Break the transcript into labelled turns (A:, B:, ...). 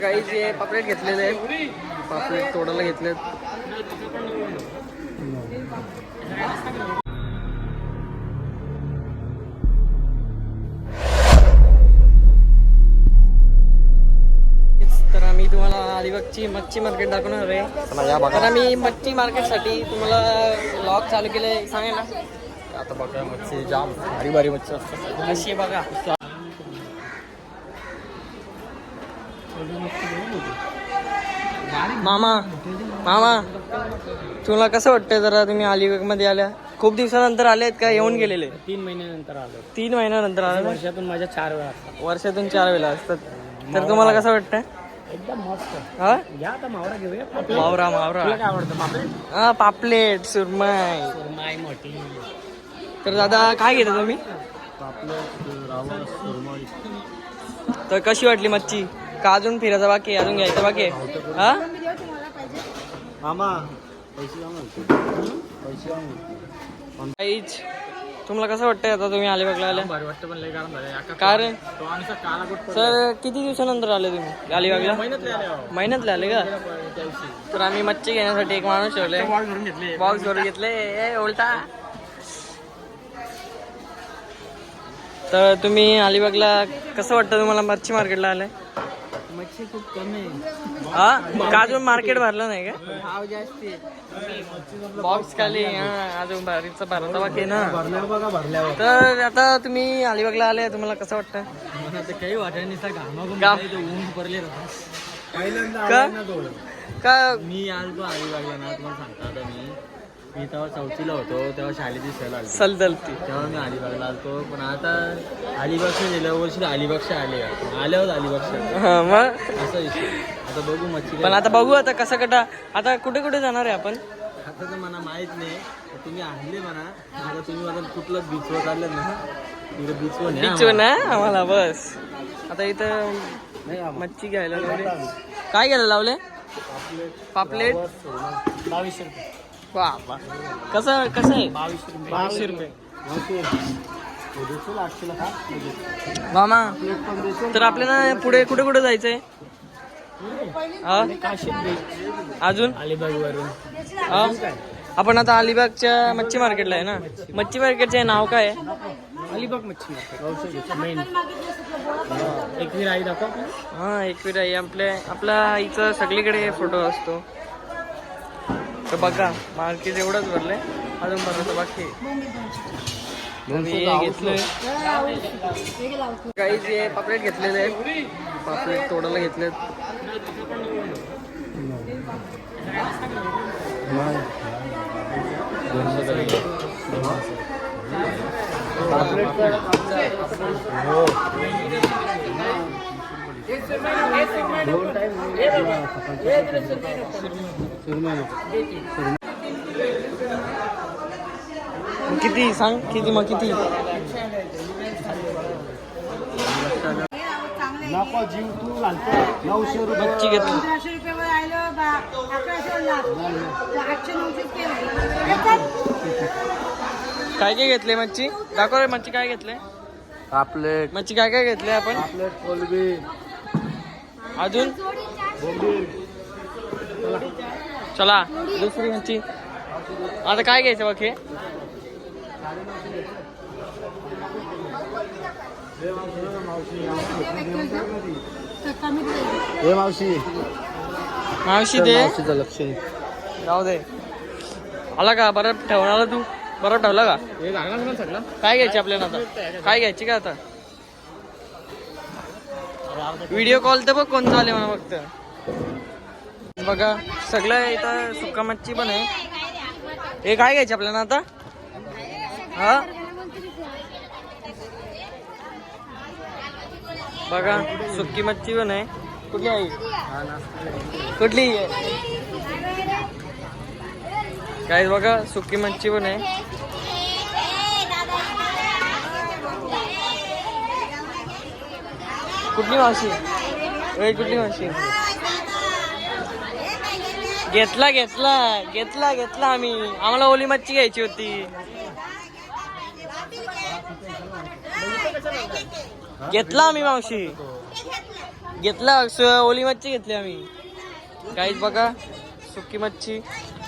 A: काही जे पापलेट घेतलेले आहेत, पापलेट तोडायला घेतलेत. तर आम्ही तुम्हाला अलिबागची मच्छी मार्केट दाखवणार आहे. तर आम्ही मच्छी मार्केटसाठी तुम्हाला ब्लॉग चालू केले, सांगेल ना.
B: आता बघा मच्छी जाम भारी भारी मच्छी असतात.
A: अशी बघा. मामा मामा तुला कसं वाटतंय जरा, तुम्ही अलिबाग मध्ये आल्या, खूप दिवसानंतर आलेत का येऊन गेलेले?
B: 3 महिन्यानंतर आलो.
A: 3 महिन्यानंतर आले.
B: वर्षातून माझ्या 4 वेळा असतात.
A: वर्षातून 4 वेळा असतात. तर तुम्हाला कसं वाटतंय?
B: एकदम मस्त.
A: हा
B: घ्या आता मावरा घेऊया.
A: मावरा मावरा
B: तुला काय आवडतं? पापलेट?
A: हा पापलेट, सुरमई.
B: सुरमई मोठी.
A: तर दादा काय घेता तुम्ही?
B: पापलेट, रावस, सुरमई.
A: तर कशी वाटली मच्छी? का अजून फिरायचं बाकी, अजून घ्यायचं बाकी? हा
B: मामा पैसे
A: काहीच. तुम्हाला कसं वाटतंय आता तुम्ही अलिबागला आल्या?
B: भारी वाटतं पण लय कारण झालं.
A: कारण
B: तो आमचा काला गोट
A: सर किती दिवसानंतर आले तुम्ही अलिबागला? महिन्यातले आले का? तर आम्ही मच्छी घेण्यासाठी एक माणूस ठेवले, बॉक्स भरून घेतले उलटा. तर तुम्ही अलिबागला कसं वाटतं तुम्हाला मच्छी मार्केटला आलंय?
B: मच्छी खूप कमी आहे.
A: हा का अजून मार्केट भरलं नाही का?
B: भाव जास्त
A: बॉक्स खाली अजून भारीचा भरता बाकी ना.
B: भरल्यावर बघा भरल्यावर.
A: तर आता तुम्ही अलिबागला आले, तुम्हाला कसं वाटतं?
B: मला तर काही वाटत नाही.
A: का?
B: ऊन पडले
A: का? का
B: मी आलतो अलिबागला ना, तुम्हाला सांगता आता मी तेव्हा 4थीला होतो, तेव्हा शाळेची सहल आली.
A: सलदलती
B: तेव्हा मी अलिबागला आलतो. पण आता अलिबागच्या गेल्या वर्षी अलिबागच्या आल्यावर अलिबागच्या
A: हा मग
B: असा विषय. आता बघू मच्छी.
A: पण आता बघू आता कसं कटा. आता कुठे कुठे जाणार आहे आपण?
B: आता तर मला माहित नाही. तुम्ही आणले म्हणा. आता तुम्ही मला कुठलं बीचवर चाललं ना, तिकडे बीचवर
A: बीच ना आम्हाला बस. आता इथं मच्छी घ्यायला लावले. काय घ्यायला लावले? पापलेट
B: 22 रुपये.
A: बाबा कसं कसं आहे?
B: 22 रुपये.
A: मामा तर आपल्याला पुढे कुठे कुठे जायचंय? हा अजून
B: अलिबाग वरून
A: हा आपण आता अलिबागच्या मच्छी मार्केटला आहे ना. मच्छी मार्केटचे नाव काय आहे?
B: अलिबाग मच्छी मार्केट मेन. एकवीर आई दाखव.
A: हा एकवीर आहे आपल्या आईचा सगळीकडे फोटो असतो. तर बघा मार्केट एवढंच भरलंय, अजून भरायचं बाकी. घेतलंय काही जे पापलेट घेतलेले आहेत, पापलेट तोडायला घेतलेत. किती सांग, किती मग किती?
B: नको जीव तू घालतो. 900 रुपये
A: मच्छी घेतली.
C: 1500 रुपये वर आलं 1100
A: काय काय घेतले मच्छी? दाखव रे मच्छी काय घेतले?
B: पापलेट,
A: मच्छी काय काय घेतले आपण?
B: पापलेट, कोलबी,
A: अजून
B: बोंबील.
A: चला दुसरी मच्छी. आता काय घ्यायचं बघ? हे
B: हे मावशी
A: मावशी दे.
B: मावशीचं लक्ष नाही.
A: जाऊ दे. आला का? बरं ठेवणार तू? बरं ठेवला का?
B: हे लागणार ना सगळं.
A: काय घ्यायची आपल्याला आता? काय घ्यायची का आता? व्हिडिओ कॉल तर बघ कोण चालेल म्हणा फक्त. बघा सगळं इथं सुक्का मच्छी पण आहे. हे काय घ्यायची आपल्याला आता? हा बघा सुक्की मच्छी पण आहे. कुठली आहे? कुठली काय बघा सुक्की मच्छी पण आहे. कुठली मावशी? कुठली मावशी? घेतला घेतला घेतला घेतला आम्ही. आम्हाला ओली मच्छी घ्यायची होती. घेतला आम्ही मावशी. घेतला ओली मच्छी घेतली आम्ही. काहीच बघा सुकी मच्छी